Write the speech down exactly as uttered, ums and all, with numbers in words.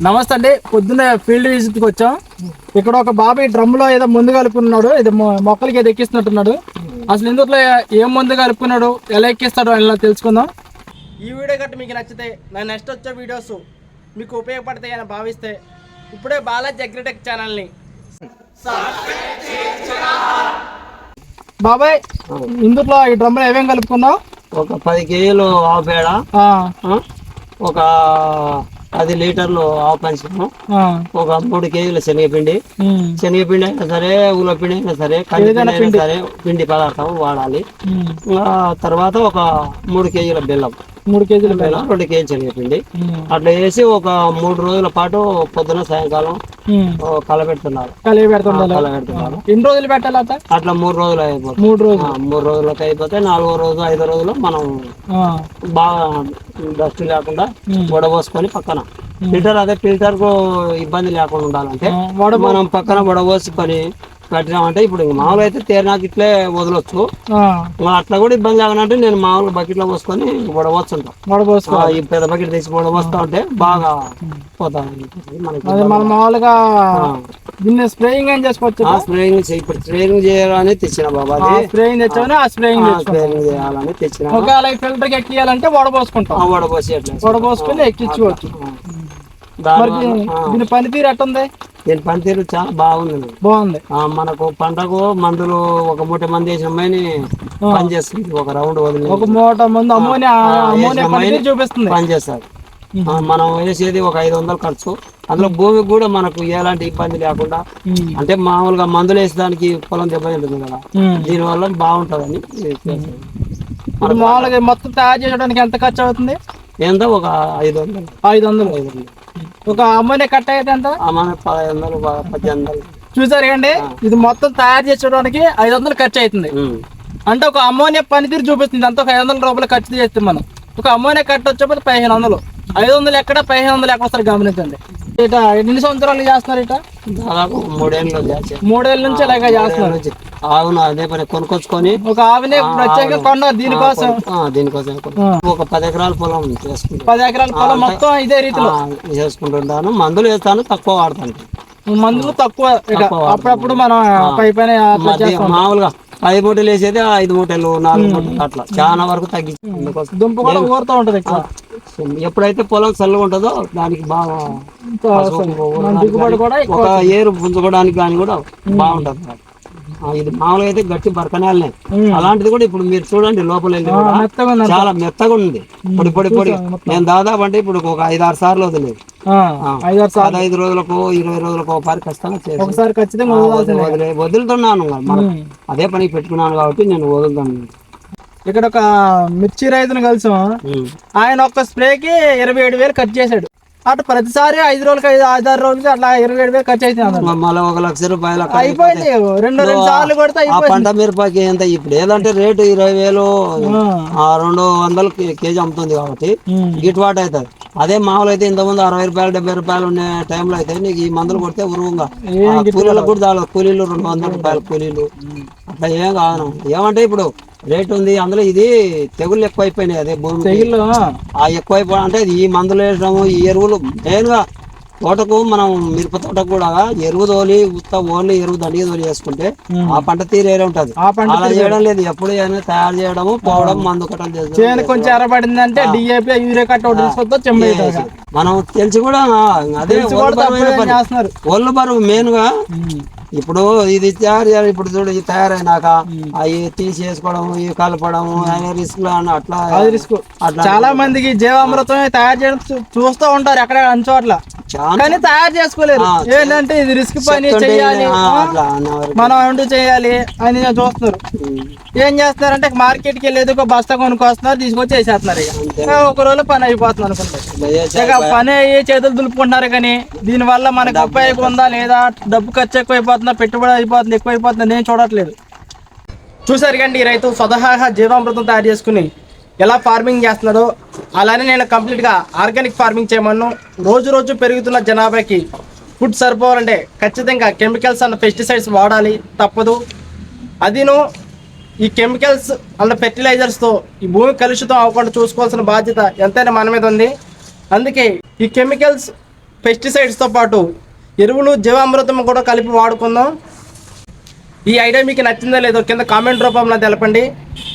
నమస్తే అండి. పొద్దున్నే ఫీల్డ్ విజిట్కి వచ్చాం. ఇక్కడ ఒక బాబాయ్ డ్రమ్ లో ఏదో మందు కలుపుకున్నాడు. ఇది మొక్కలకి ఏదో ఎక్కిస్తున్నట్టున్నాడు. అసలు ఇందులో ఏం మందు కలుపుకున్నాడు, ఎలా ఎక్కిస్తాడో ఎలా తెలుసుకుందాం. ఈ వీడియో గట్ట మీకు నచ్చితే నా నెక్స్ట్ వచ్చే వీడియోస్ మీకు ఉపయోగపడతాయి అని భావిస్తే ఇప్పుడే బాలాజీ అగ్రిటెక్ ఛానల్ని బాబాయ్, ఇందులో ఈ డ్రమ్ లో ఏమేమి కలుపుకున్నావు? ఒక పది కేజీలు ఆవు పేడ, ఒక పది లీటర్లు ఆవు పంచము, ఒక మూడు కేజీల శనగపిండి. శనగపిండి అయినా సరే, ఊళ్ళ పిండి అయినా సరే, కందిపిండి అయినా సరే, పిండి పదార్థం వాడాలి. తర్వాత ఒక మూడు కేజీల బెల్లం, మూడు కేజీల బెల్లం, రెండు కేజీలు శనగపిండి అట్లా వేసి ఒక మూడు రోజుల పాటు పొద్దున సాయంకాలం కలబెడుతున్నారు కలబెడుతున్నారు ఎన్ని రోజులు పెట్టాలి? అట్లా మూడు రోజులు అయిపోతుంది. మూడు రోజులు మూడు రోజులకు అయిపోతే నాలుగో రోజు ఐదో రోజులు మనం బాగా డస్ట్ లేకుండా వడబోసుకొని పక్కన ఫిల్టర్, అదే ఫిల్టర్ కు ఇబ్బంది లేకుండా ఉండాలంటే మనం పక్కన వడబోసుకొని పెట్టినామంటే ఇప్పుడు మామూలుగా అయితే తేరినాక ఇట్లే వదలొచ్చు. అట్లా కూడా ఇబ్బంది లేకనంటే నేను మామూలుగా బకెట్ లో పోసుకొని వడబోస్తుంటాం. ఈ పెద్ద బకెట్ తీసి వడబోస్తా ఉంటే బాగా పోతా మనం మామూలుగా దీన్ని స్ప్రేయింగ్ ఏం చేసుకోవచ్చు. స్ప్రేయింగ్ ఇప్పుడు స్ప్రేయింగ్ చేయాలని తెచ్చిన బాబా, స్ప్రేయింగ్ తెచ్చామని ఆ స్ప్రేయింగ్ స్ప్రేయింగ్ చేయాలని తెచ్చిన. ఒకవేళ ఫిల్టర్ కి ఎక్కియాలంటే వడబోసుకుంటాం. వడబోసి వడబోసుకొని ఎక్కించుకోవచ్చు. దీని పనితీరు ఎట్టుంది? దీని పనితీరు చాలా బాగుంది. బాగుంది. మనకు పంటకు మందులు ఒక మూట మంది వేసిన అమ్మాయిని పని చేస్తుంది. ఒక రౌండ్ వదిలి ఒక మూట మంది అమ్మోనియా అమ్మోనియా చూపిస్తుంది, పని చేస్తారు. మనం వేసేది ఒక ఐదు వందలు ఖర్చు. అందులో భూమికి కూడా మనకు ఎలాంటి ఇబ్బంది లేకుండా, అంటే మామూలుగా మందులు వేసేదానికి పొలం దెబ్బ ఉంటుంది కదా, దీని వల్ల బాగుంటుందని. మామూలుగా మొత్తం తయారు చేయడానికి ఎంత ఖర్చు అవుతుంది? ఎంత ఒక ఐదు వందలు ఐదు వందలు ఐదు వందలు ఒక అమ్మోనియా కట్ట అయితే ఎంత? పదహైదు వందలు పద్దెనిమిది వందలు. చూసారు కండి, ఇది మొత్తం తయారు చేసుకోవడానికి ఐదు వందలు ఖర్చు అవుతుంది. అంటే ఒక అమ్మోనియా పనితీరు చూపిస్తుంది. అంత ఒక ఐదు వందల రూపాయలు ఖర్చు చేస్తాం మనం. ఒక అమ్మోనియా కట్ట వచ్చేప్పుడు పదిహేను వందలు, ఐదు వందలు ఎక్కడ, పదిహేను వందలు ఎక్కడ వస్తారు గమనించండి. ఇట ఎన్ని సంవత్సరాలు చేస్తున్నారు? ఇట దాదాపు మూడేళ్ళు మూడేళ్ళ నుంచి ఇలాగ చేస్తున్నారు. ఆవును అదే పని కొనుక్కొచ్చుకొని ఒక ఆవునే ప్రత్యేకంగా కొన్నారు దీనికోసం. దీనికోసం ఒక పది ఎకరాల పొలం చేసుకుంటాను. పది ఎకరాల పొలం మొత్తం ఇదే రీతిలో చేసుకుంటుంటాను. మందులు వేస్తాను, తక్కువ వాడతాను. మందులు తక్కువ, అప్పుడప్పుడు మనం పై పైన మామూలుగా ఐదు మూటలు వేసేది ఐదు మూటలు నాలుగు మూటలు అట్లా చాలా వరకు తగ్గించి దుంప కూడా ఊరుతూ ఉంటది. ఎప్పుడైతే పొలం చల్లగా ఉంటుందో దానికి బాగా దిగుబడి కూడా ఒక ఏరు పుంజుకోవడానికి కానీ కూడా బాగుంటది. ఇది మామూలుగా అయితే గట్టి బరకనేలనే, అలాంటిది కూడా ఇప్పుడు మీరు చూడండి లోపల వెళ్ళి చాలా మెత్తగా ఉంది, పొడి పొడి పొడి. నేను దాదాపు అంటే ఇప్పుడు ఒక ఐదు ఆరు సార్లు వదిలేదు. ఐదు రోజులకు ఇరవై రోజులకు ఒకసారి ఖచ్చితంగా వదిలే వదులుతున్నాను. మనం అదే పని పెట్టుకున్నాను కాబట్టి నేను వదులుతాను. ఇక్కడ ఒక మిర్చి రైతును కలిసాం. ఆయన ఒక్క స్ప్రేకి ఇరవై ఏడు వేలు ఖర్చు చేశాడు. అటు ప్రతిసారి ఐదు రోజులకి ఐదు ఐదు ఆరు రోజులకి అట్లా ఇరవై ఏడు వేలు ఖర్చు అవుతుంది. మళ్ళీ ఒక లక్ష రూపాయలు అయిపోయింది. రెండు రెండు సార్లు కొడితే పంట మిరపకి ఎంత ఇప్పుడు ఏదంటే రేటు ఇరవై వేలు రెండు వందలు కేజీ అమ్ముతుంది కాబట్టి గిట్టుబాటు అవుతుంది. అదే మామూలు అయితే ఇంతకుముందు అరవై రూపాయలు డెబ్బై రూపాయలు ఉన్న టైంలో అయితే నీకు ఈ మందులు కొడితే ఉరువుగా కూలీలకు కూడా చాలు. కూలీలు రెండు వందల రూపాయలు కూలీలు అట్లా ఏం కాదు. ఏమంటే ఇప్పుడు రేట్ ఉంది, అందులో ఇది తెగుళ్ళు ఎక్కువ అయిపోయినాయి. అదే భూమి తెగుళ్ళు ఆ ఎక్కువైపో అంటే ఈ మందులు వేయడము, ఈ ఎరువులు మెయిన్ గా తోటకు మనం మిరప తోటకు కూడా ఎరువు తోలి ఉత్త ఓన్లీ ఎరువు దండిగా తోలి చేసుకుంటే ఆ పంట తీరేరే ఉంటది. అలా చేయడం లేదు. ఎప్పుడు తయారు చేయడము, పోవడం, మందు కట్టలు చేస్తాం. కొంచెం ఎర్రబడిందంటే డిఏపి యూరియా కట్ట మనం తెలిసి కూడా అదే ఒళ్ళు బరువు మెయిన్ గా. ఇప్పుడు ఇది తయారు చేయాలి. ఇప్పుడు చూడు ఇది తయారైనాక అవి తీసేసుకోవడం, ఇవి కలపడం రిస్క్ అట్లా రిస్క్. చాలా మందికి జీవామృతం తయారు చేయడం చూస్తూ ఉంటారు ఎక్కడ అంచోట్ల, కానీ తయారు చేసుకోలేరు. ఏంటంటే ఇది రిస్క్ పని, చెయ్యాలి మనం అంటూ చేయాలి అని చూస్తున్నారు. ఏం చేస్తున్నారంటే మార్కెట్ కి వెళ్ళేది ఒక బస్తా కొనుక్కొస్తున్నారు, తీసుకొచ్చి వేసేస్తున్నారు. ఇక ఒక రోజు పని అయిపోతుంది అనుకుంటారు. ఇక పని అయ్యి చేతులు దులుపుకుంటున్నారు. కానీ దీని వల్ల మనకు ఉపయోగం ఉందా లేదా, డబ్బు ఖర్చు ఎక్కువ అయిపోతుందా, పెట్టుబడి అయిపోతుంది ఎక్కువ అయిపోతుందా నేను చూడట్లేదు. చూసారు కండి, ఈ రైతు స్వతహాగా జీవామృతం తయారు చేసుకుని ఎలా ఫార్మింగ్ చేస్తున్నాడో అలానే నేను కంప్లీట్గా ఆర్గానిక్ ఫార్మింగ్ చేయమను. రోజు రోజు పెరుగుతున్న జనాభాకి ఫుడ్ సరిపోవాలంటే ఖచ్చితంగా కెమికల్స్ అండ్ పెస్టిసైడ్స్ వాడాలి, తప్పదు. అదిను ఈ కెమికల్స్ అండ్ ఫెర్టిలైజర్స్తో ఈ భూమి కలుషితం అవ్వకుండా చూసుకోవాల్సిన బాధ్యత ఎంతైనా మన మీద ఉంది. అందుకే ఈ కెమికల్స్ పెస్టిసైడ్స్తో పాటు ఎరువులు జీవామృతం కూడా కలిపి వాడుకుందాం. ఈ ఐడియా మీకు నచ్చిందో లేదో కింద కామెంట్ రూపంలో తెలపండి.